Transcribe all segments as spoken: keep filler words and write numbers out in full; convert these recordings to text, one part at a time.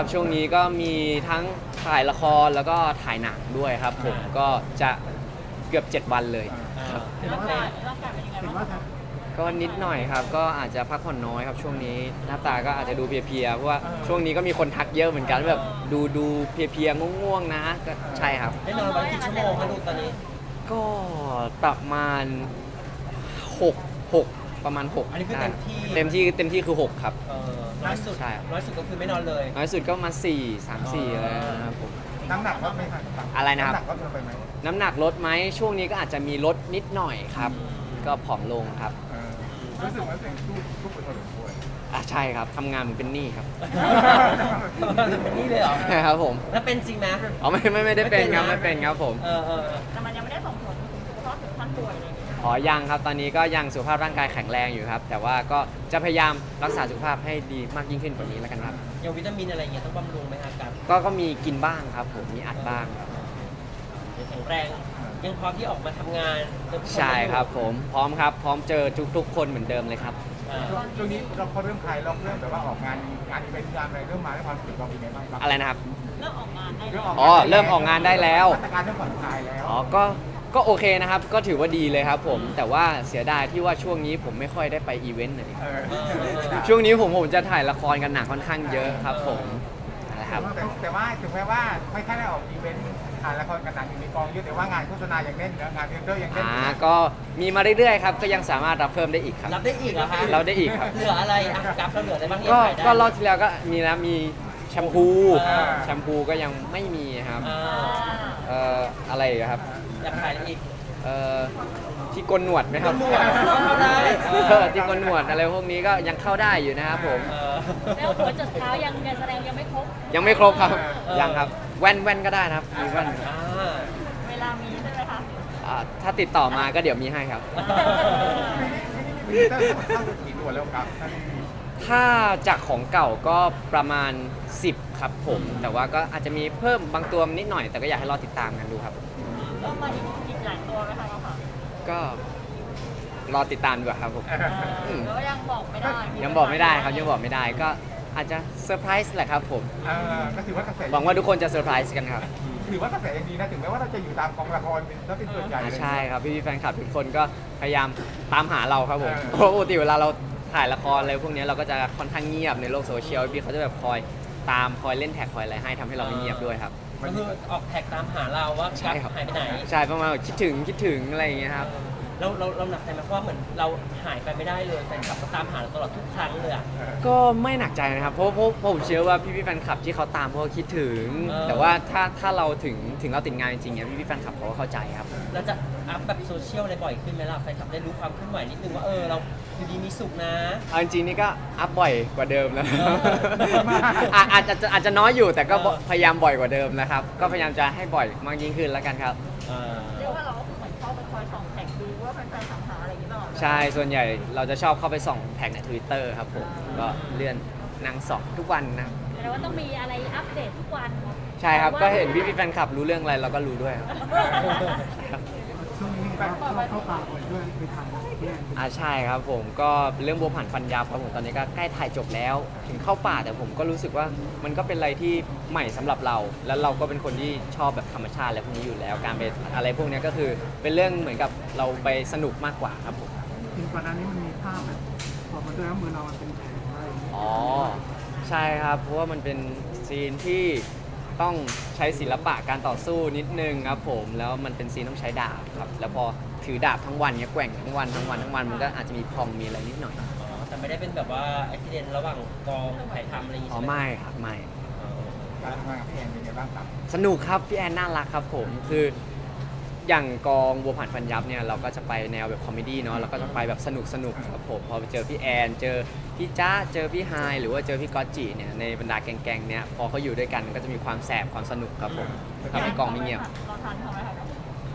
ครับช่วงนี้ก็มีทั้งถ่ายละครแล้วก็ถ่ายหนังด้วยครับผมก็จะเกือบเจ็ดวันเลยครับร่างกายร่างกายเป็นยังไงบ้างคะก็นิดหน่อยครับก็อาจจะพักผ่อนน้อยครับช่วงนี้หน้าตาก็อาจจะดูเพลียๆเพราะว่าช่วงนี้ก็มีคนทักเยอะเหมือนกันแบบดูดูเพลียๆง่วงๆนะก็ใช่ครับได้นอนวันกี่ชั่วโมงคะลูกตอนนี้ก็ประมาณหก หกประมาณหกอันนี้คือเต็มที่เต็มที่เต็มที่คือหกครับเออน้อยสุดใช่น้อยสุดก็คือไม่นอนเลยน้อยสุดก็มาสี่ สาม สี่อะไรนะครับผมน้ำหนักลดไหมครับอะไรนะครับน้ำหนักลดลงไปไหมน้ำหนักลดไหมช่วงนี้ก็อาจจะมีลดนิดหน่อยครับ ก็ผอมลงครับเออรู้สึกว่าตัวเองสู้สู้ไปพอสมควรอ่ะใช่ครับทำงานเหมือนเป็นหนี้ครับเป็นนี่เลยเหรอใช่ครับผมแล้วเป็นจริงไหมอ๋อไม่ไม่ไม่ได้เป็นครับไม่ไม่เป็เป็นนคนะรับผมเออเออแต่มันยังไม่ได้ส่งผลถึงสุขภาพถึงขั้นป่วยอะไรอย่างเงี้ยอ๋อยังครับตอนนี้ก็ยังสุขภาพร่างกายแข็งแรงอยู่ครับ แต่ว่าก็จะพยายามรักษาสุขภาพให้ดีมากยิ่งขึ้นกว่านี้แล้วกันครับอย่างวิตามินอะไรเงี้ยต้องบำรุงไหมคะกับก็ก็มีกินบ้างครับผมมีอัดบ้างครับยังแข็งแรงยังพร้อมที่ออกมาทำงานเจอผู้นใช่ครับผมพร้อมครับพร้อมเจอทุกๆ คนเหมือนเดิมเลยครับอ่าช่วงช่วงนี้เราพอเริ่มคลายล็อกเริ่มแบบว่าออกงานงานอีเวนต์งานอะไรเริ่มมาแล้วความรู้สึกเราเป็นไงบ้างครับอะไรนะครับเริ่มออกงานได้เริ่แล้มวออกอ๋อเริ่มออกงานได้แล้วมาตรการเริ่มผ่อนคลายแล้วอ๋อก็ก็โอเคนะครับ ก็ถือว่าดีเลยครับผมแต่ว่าเสียดายที่ว่าช่วงนี้ผมไม่ค่อยได้ไปอีเวนต์เลยเออช่วงนี้ผมผมจะถ่ายละครกันหนักค่อนข้างเยอะครับผมนะครับแต่แต่ว่าถึงแม้ว่าไม่ค่อยได้ออกอีเวนต์ถ่ายละครกันหนังอยู่ในกองเยอะแต่ว่างานโฆษณายังเล่นนะงานเทรนเดอร์ยังเล่นอ่าก็มีมาเรื่อยๆครับก็ยังสามารถรับเพิ่มได้อีกครับรับได้อีกเหรอคะเราได้อีกครับเหลืออะไรอ่ะกับเราเหลืออะไรบ้างที่ก็ขายได้ก็รอบที่แล้วก็มีนะมีแชมพูอ่าแชมพูก็ยังไม่มีครับอ่าเอ่ออะไรอีกครับอยากขายอะไรอีกเอ่อที่กลหนวดไหมครับหนวดเข้าได้เออที่กลหนวดอะไรพวกนี้ก็ยังเข้าได้อยู่นะครับผมเออแล้วหัวจดเท้ายังยังแสดงยังไม่ครบยังไม่ครบครับเออยังครับแว่นแว่นก็ได้นะครับมีแว่นครับอ่าเวลามีใช่ไหมคะอ่าถ้าติดต่อมาก็เดี๋ยวมีให้ครับมีเตอร์เข้ากี่ตัวแล้วครับท่านถ้าจากของเก่าก็ประมาณสิบครับผม แต่ว่าก็อาจจะมีเพิ่มบางตัวนิดหน่อย แต่ก็อยากให้รอติดตามกันดูครับเริ่มมาอีกอีกหลายตัวไหมคะค่ะก็รอติดตามดีกว่าครับผมหรือว่ายังบอกไม่ได้ยังบอกไม่ได้ครับยังบอกไม่ได้ก็อาจจะเซอร์ไพรส์แหละครับผมเออก็ถือว่ากระแสหวังว่าทุกคนจะเซอร์ไพรส์กันครับถือว่ากระแสยังดีนะถึงแม้ว่าเราจะอยู่ตามกองละครเป็นถ้าเป็นส่วนใหญ่อ่าเลยใช่ครับพี่ๆแฟนคลับทุกคนก็พยายามตามหาเราครับผมเออเพราะปกติเวลาเราถ่ายละครอะไรพวกนี้เราก็จะค่อนข้างเงียบในโลกโซเชียลพี่เขาจะแบบคอยตามคอยเล่นแท็กคอยอะไรให้ทำให้เราไม่เงียบด้วยครับก็คือออกแท็กตามหาเราว่าใช่ครับหายไปไหนใช่ประมาณคิดถึงคิดถึงอะไรอย่างเงี้ยครับเราเราเราหนักใจไหมเพราะว่าเหมือนเราหายไปไม่ได้เลยแฟนคลับก็ตามหาเราตลอดทุกครั้งเลยอ่ะเออก็ไม่หนักใจนะครับเพราะเพราะเพราะผมเชื่อว่าพี่ๆแฟนคลับที่เขาตามเพราะเขาคิดถึงเออแต่ว่าถ้าถ้าเราถึงถึงเราติดงานจริงๆเนี่ยพี่ๆแฟนคลับเขาก็เข้าใจครับเราจะอัพแบบโซเชียลอะไรบ่อยขึ้นไหมล่ะแฟนคลับได้รู้ความเคลื่อนไหวนิดนึงว่าเออเราอยู่ดีมีสุขนะเอาจริงๆนี่ก็อัพบ่อยกว่าเดิมแล้วเอออ่ะอาจจะอาจจะน้อยอยู่แต่ก็เออพยายามบ่อยกว่าเดิมนะครับ ก็พยายามจะให้บ่อยมากยิ่งขึ้นแล้วกันครับเออเรียกว่าเราก็คือเหมือนเข้าไปคอยส่องแท็กดูว่าแฟนๆถามหาอะไรอย่างนี้ตลอดใช่ส่วนใหญ่เราจะชอบเข้าไปส่องแท็กใน Twitter ครับผมก็เลื่อนนางส่องทุกวันนะแสดงว่าต้องมีอะไรอัปเดตทุกวันใช่ครับก็เห็นพี่ๆแฟนคลับรู้เรื่องอะไรเราก็รู้ด้วยครับช่วงนี้แบบเข้าตาคนด้วยไปทำเนี่ยอ่าใช่ครับผมก็เป็นเรื่องบัวผันฟันยับครับผมตอนนี้ก็ใกล้ถ่ายจบแล้ว ถึงเข้าป่าแต่ผมก็รู้สึกว่ามันก็เป็นอะไรที่ใหม่สำหรับเรา แล้วเราก็เป็นคนที่ชอบแบบธรรมชาติอะไรพวกนี้อยู่แล้ว การไปอะไรพวกนี้ก็คือเป็นเรื่องเหมือนกับเราไปสนุกมากกว่าครับผมจริงก่อนหน้านี้มันมีภาพแบบพอมาด้วยแล้วมือเรามันเป็นแผลอะไรอย่างเงี้ยอ๋อใช่ครับเพราะว่ามันเป็นซีนที่ต้องใช้ศิลปะการต่อสู้นิดนึงครับผมแล้วมันเป็นซีนต้องใช้ดาบครับแล้วพอถือดาบทั้งวันเนี้ยแกว่งทั้งวันทั้งวันทั้งวันมันก็อาจจะมีพองมีอะไรนิดหน่อยอ๋อแต่ไม่ได้เป็นแบบว่าอุบิเหตุระหว่างกองถ่ายทำอะไรอย่างงี้อ๋อใช่ไหมไม่ครับไม่อ๋อการทำงานกับพี่แอนเป็นไงบ้างครับสนุกครับพี่แอนน่ารักครับผมคืออย่างกองบัวผันฟันยับเนี่ยเราก็จะไปแนวแบบคอมเมดี้เนาะเราก็จะไปแบบสนุกสนุกครับผมพอไปเจอพี่แอนเจอพี่จ้าเจอพี่ไฮหรือว่าเจอพี่ก๊อตจิเนี่ยในบรรดาแก๊งๆเนี่ยพอเขาอยู่ด้วยกันก็จะมีความแสบความสนุกครับผมทำให้กองไม่เงียบเราทันเขาไหมคะ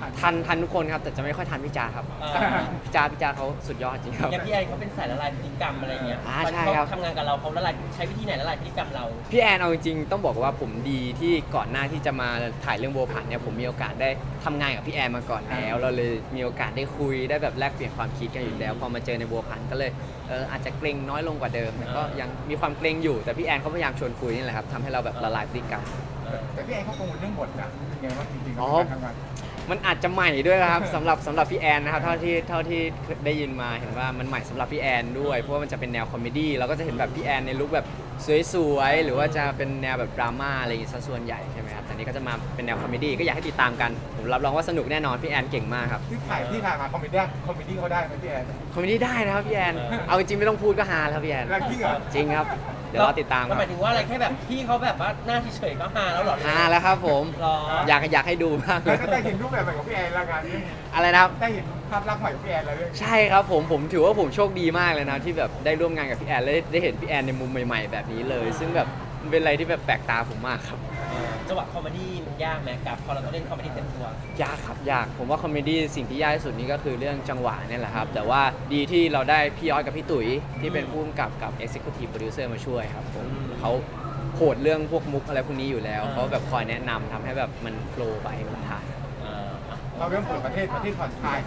ทันทันทุกคนครับแต่จะไม่ค่อยทันพี่จาครับเออพี่จาพี่จาเขาสุดยอดจริงครับอย่างพี่แอนเขาเป็นสายละลายพฤติกรรมอะไรเงี้ยอ่าตอนใช่ที่ครับเขาทำงานกับเราเขาละลายใช้วิธีไหนละลายพฤติกรรมเราพี่แอนเอาจริงๆต้องบอกว่าผมดีที่ก่อนหน้าที่จะมาถ่ายเรื่องโบวผันเนี่ยผมมีโอกาสได้ทำงานกับพี่แอนมาก่อนแล้ว เราเลยมีโอกาสได้คุยได้แบบแลกเปลี่ยนความคิดกันอยู่แล้วพอมาเจอในโบวผันก็เลยเอออาจจะเกรงน้อยลงกว่าเดิมแต่ก็ยังมีความเกรงอยู่แต่พี่แอนเขาพยายามชวนคุยนี่แหละครับทำให้เราแบบละลายพฤติกรรมแต่พี่แอนเขากังวลเรื่องบทนะยังไงว่าจริงๆอ๋อการทำงานมันอาจจะใหม่ด้วยนะครับ สำหรับสำหรับพี่แอนนะครับเท่าที่เท่าที่ได้ยินมาเห็นว่ามันใหม่สำหรับพี่แอนด้วยเพราะว่ามันจะเป็นแนวคอมเมดี้เราก็จะเห็นแบบพี่แอนในลุคแบบสวยๆหรือว่าจะเป็นแนวแบบดราม่าอะไรอย่างงี้ซะส่วนใหญ่ใช่ไหมครับแต่นี้ก็จะมาเป็นแนวคอมเมดี้ก็อยากให้ติดตามกันผมรับรองว่าสนุกแน่นอนพี่แอนเก่งมากครับที่ถ่ายที่ถ่ายมาคอมเมดี้คอมเมดี้เขาได้ไหมพี่แอนคอมเมดี้ได้นะครับพี่แอนเอาจริงๆไม่ต้องพูดก็ฮาแล้วพี่แอนแล้วจริงเหรอจริงครับเดี๋ยวรอติดตามคก็รับหมายถึงว่าอะไรแค่แบบพี่เขาแบบว่าหน้าเฉยๆก็ฮาแล้วเหรอฮาแล้วครับผมหรออยากอยากให้ดูมากเลแล้วยก็ได้เห็นรูปแบบใหม่ของพี่แอนแล้วกันอะไรนะครับได้เห็นภาพลักษณ์ใหม่ของพี่แอนแล้วเรื่องใช่ครับผมผมถือว่าผมโชคดีมากเลยนะที่แบบได้ร่วมงานกับพี่แอนและได้ได้เห็นพี่แอนในมุมใหม่ๆแบบนี้เลย ซึ่งแบบมันเป็นอะไรที่แบบแปลกตาผมมากครับเออจังหวะคอมเมดี้มันยากไหมกับพอเราต้องเล่นคอมเมดี้เต็มตัวยากครับยากผมว่าคอมเมดี้สิ่งที่ยากที่สุดนี่ก็คือเรื่องจังหวะเนี่ยแหละครับแต่ว่าดีที่เราได้พี่ย้อยกับพี่ตุ๋ยที่เป็นผู้กำกับกับ Executive Producer มาช่วยครับผมเขาโหดเรื่องพวกมุกอะไรพวกนี้อยู่แล้วเขาแบบคอยแนะนำทำให้แบบมันโฟล์ไปเวลาถ่ายเอออ่ะเราเริ่มเปิดประเทศประเทศผ่อนคลาย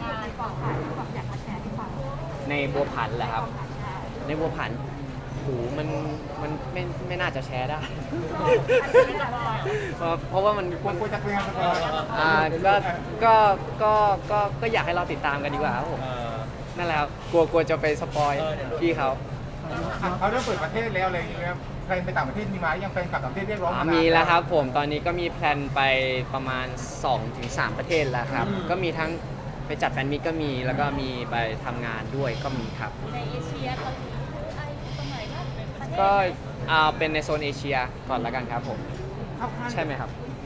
ในบัวผันแหละครับ ในบัวผันโหมันมันไม่ไม่น่าจะแชร์ได้ เพราะเพราะว่ามันควรควรจะเป็นงานสปอยอ่าก็ก็ก็ก็ก็อยากให้เราติดตามกันดีกว่าครับผมเออนั่นแหละครับกลัวกลัวจะไปสปอยเออเดี๋ยวพี่เขาเขาเริ่มเปิดประเทศแล้วอะไรอย่างเงี้ยแฟนไปต่างประเทศมีไหมยังแฟนกลับต่างประเทศเรียกร้องอ่ามามีมีแล้วครับผมตอนนี้ก็มีแพลนไปประมาณ สองถึงสาม ประเทศแล้วครับ ก็มีทั้งไปจัดแฟนมิตก็มีแล้วก็มีไปทำงานด้วยก็มีครับในเอเชียเกาหลีไอตรงไหนก็เป็นประเทศก็เอาเป็นในโซนเอเชียก่อนแล้วกันครับผมเข้าข้างใช่ไหมครับ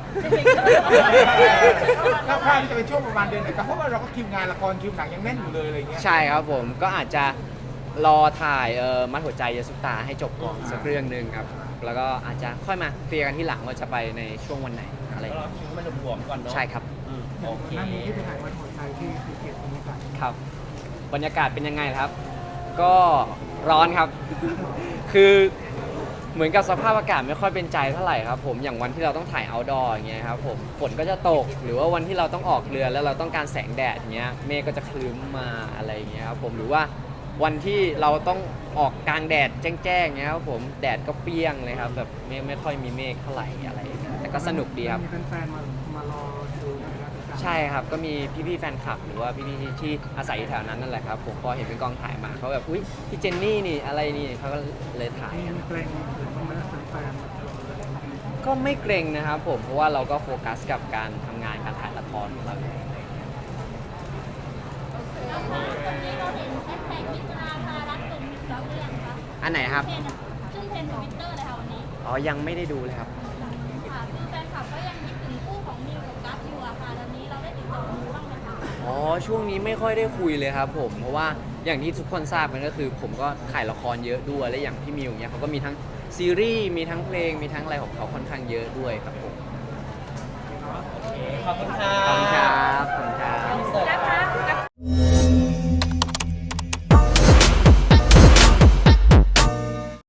เข้าข้างที่จะเป็นช่วงประมาณเดือนไหนครับเพราะว่าเราก็คิวงานละครคิวหนังยังแน่นอยู่เลยอะไรอย่างเงี้ยใช่ครับผมก็อาจจะรอถ่ายเอ่อมัดหัวใจเยสุตาให้จบก่อนสักเรื่องหนึ่งครับ แล้วก็อาจจะค่อยมาเคลียร์กันที่หลังว่าจะไปในช่วงวันไหนอะไรอก็ย่างรอเงี้ยคิวให้มันรวมๆก่อนเนาะใช่ครับอืมโอเคนั่นนี่ที่ไปถ่ายวันหัวใจที่ภูเก็ตนี่กันครับ บรรยากาศเป็นยังไงครับ ก็ร้อนครับ คือเหมือนกับสภาพอากาศไม่ค่อยเป็นใจเท่าไหร่ครับผมอย่างวันที่เราต้องถ่าย outdoor อย่างเงี้ยครับผมฝนก็จะตกหรือว่าวันที่เราต้องออกเรือแล้วเราต้องการแสงแดดเงี้ยเมฆก็จะคลึ้มมาอะไรอย่างเงี้ยครับผมหรือว่าวันที่เราต้องออกกลางแดดแจ้งๆเงี้ยครับผมแดดก็เปรี้ยงเลยครับแบบไม่ไม่ค่อยมีเมฆเท่าไหร่อะไรอย่างเงี้ยแต่ก็สนุกดีครับมีแฟนๆมามารอดูนะครับใช่ครับ ก็มีพี่ๆแฟนคลับ หรือว่าพี่ๆที่ที่อาศัยอยู่แถวนั้นนั่นแหละครับ ผมพอเห็นเป็นกองถ่ายมาเขาแบบ อุ๊ย พี่เจนนี่นี่ อะไรนี่เขาก็เลยถ่ายกันมีเกรงหรือว่าแฟนก็ไม่เกรงนะครับผม เพราะว่าเราก็โฟกัสกับการทำงานการถ่ายละครของเราอยู่แล้วค่ะตอนนี้เราเห็นแฮชแท็กมิตราภารักตุนแล้วหรือยังคะอันไหนครับเทรนด์ขึ้นเทรนด์ทวิตเตอร์เลยค่ะวันนี้อ๋อ ยังไม่ได้ดูเลยครับค่ะคือแฟนคลับก็ยังคิดถึงคู่ของมิวกับกัฟอยู่อะค่ะตอนนี้เราได้ติดต่อมิวบ้างไหมคะอ๋อ ช่วงนี้ไม่ค่อยได้คุยเลยครับผม เพราะว่าอย่างที่ทุกคนทราบกันก็คือ ผมก็ถ่ายละครเยอะด้วย และอย่างพี่มิวเนี่ยเขาก็มีทั้งซีรีส์ มีทั้งเพลง มีทั้งอะไรของเขาค่อนข้างเยอะด้วยครับผมโอเคขอบคุณค่ะขอบคุณ